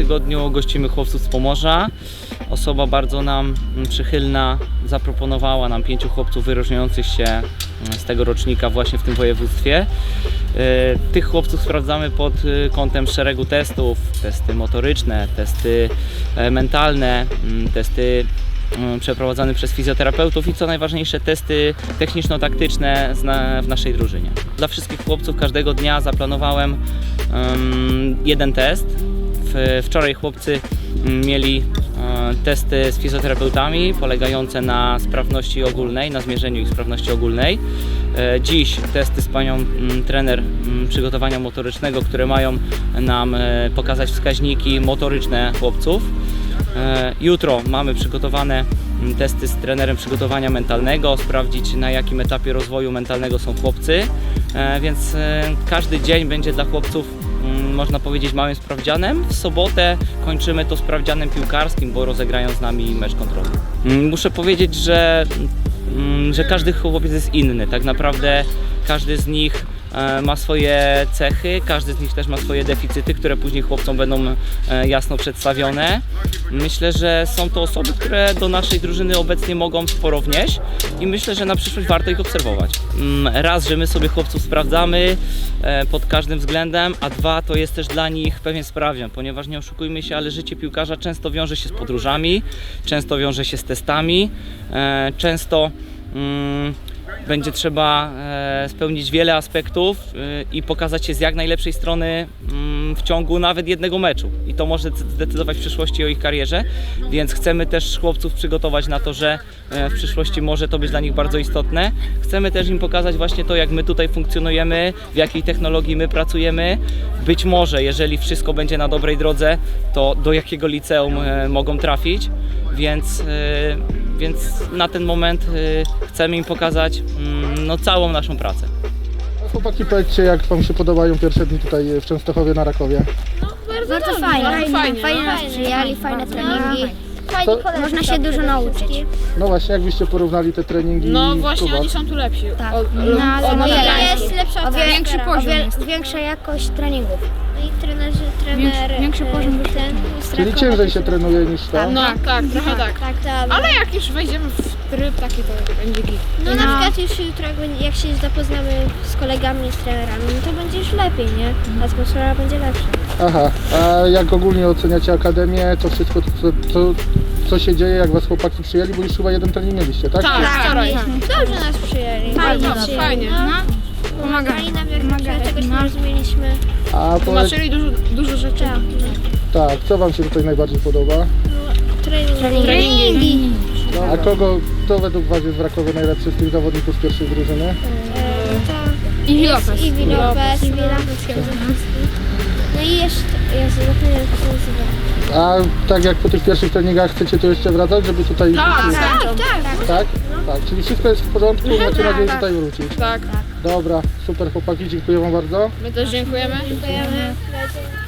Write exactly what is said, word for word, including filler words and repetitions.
tygodniu gościmy chłopców z Pomorza. Osoba bardzo nam przychylna zaproponowała nam pięciu chłopców wyróżniających się z tego rocznika właśnie w tym województwie. Tych chłopców sprawdzamy pod kątem szeregu testów, testy motoryczne, testy mentalne, testy przeprowadzane przez fizjoterapeutów i co najważniejsze testy techniczno-taktyczne w naszej drużynie. Dla wszystkich chłopców każdego dnia zaplanowałem um, jeden test. Wczoraj chłopcy mieli testy z fizjoterapeutami polegające na sprawności ogólnej, na zmierzeniu ich sprawności ogólnej. Dziś testy z panią trener przygotowania motorycznego, które mają nam pokazać wskaźniki motoryczne chłopców. Jutro mamy przygotowane testy z trenerem przygotowania mentalnego, sprawdzić na jakim etapie rozwoju mentalnego są chłopcy, więc każdy dzień będzie dla chłopców, można powiedzieć, małym sprawdzianem. W sobotę kończymy to sprawdzianem piłkarskim, bo rozegrają z nami mecz kontrolny. Muszę powiedzieć, że, że każdy chłopiec jest inny. Tak naprawdę każdy z nich ma swoje cechy, każdy z nich też ma swoje deficyty, które później chłopcom będą jasno przedstawione. Myślę, że są to osoby, które do naszej drużyny obecnie mogą sporo wnieść i myślę, że na przyszłość warto ich obserwować. Raz, że my sobie chłopców sprawdzamy pod każdym względem, a dwa, to jest też dla nich pewien sprawdzian, ponieważ nie oszukujmy się, ale życie piłkarza często wiąże się z podróżami, często wiąże się z testami, często mm, będzie trzeba e, spełnić wiele aspektów e, i pokazać się z jak najlepszej strony mm, w ciągu nawet jednego meczu. I to może zdecydować w przyszłości o ich karierze, więc chcemy też chłopców przygotować na to, że e, w przyszłości może to być dla nich bardzo istotne. Chcemy też im pokazać właśnie to, jak my tutaj funkcjonujemy, w jakiej technologii my pracujemy. Być może, jeżeli wszystko będzie na dobrej drodze, to do jakiego liceum e, mogą trafić, więc e, Więc na ten moment y, chcemy im pokazać y, no, całą naszą pracę. Chłopaki, powiedzcie, jak wam się podobają pierwsze dni tutaj w Częstochowie na Rakowie? No, bardzo, bardzo dobrze, fajnie, Fajnie, fajnie, fajnie nas fajnie, przyjęli, fajne treningi. Fajni To- koledzy, Można się dużo nauczyć. No właśnie, jakbyście porównali te treningi No w właśnie, klubach? oni są tu lepsi. Tak. O, No, ale o, no, o, jest Jest lepsza o wiele, większy o poziom wiele, jest. większa jakość treningów. No i trenerzy, trener, większy e, poziom ten z Czyli Rakowa ciężej też- się trenuje niż to? No tak, trochę tak. Tak, tak. Ale jak już wejdziemy w tryb taki, to będzie git. No, No. na przykład już jutro, jak, będzie- jak się zapoznamy z kolegami, z trenerami, no to będzie już lepiej, nie? Atmosfera będzie lepsza. Aha, a jak ogólnie oceniacie akademię, to wszystko, co, co, co się dzieje, jak was chłopaki przyjęli, bo już chyba jeden trening mieliście, tak? Tak, wczoraj. Dobrze nas przyjęli. Fajnie, ładnie przyjęli. fajnie. No, pomagali nam, jak na przykład czegoś nie rozumieliśmy. A powiedz, Tłumaczyli dużo, dużo rzeczy. Tak, tak, co wam się tutaj najbardziej podoba? treningi. Treningi. A kogo, kto według was jest w Rakowie najlepszy z tych zawodników z pierwszej drużyny? E, to I jest Lopez. Iwi Lopez, Iwi No i jeszcze, ja zapomniałem, jak się nazywa. A tak jak po tych pierwszych treningach chcecie tu jeszcze wracać, żeby tutaj... Tak, Tak, tak. Tak? Tak, czyli wszystko jest w porządku, macie nadzieję tutaj wrócić. Tak. Dobra, super chłopaki, dziękuję wam bardzo. My też dziękujemy. Dziękujemy.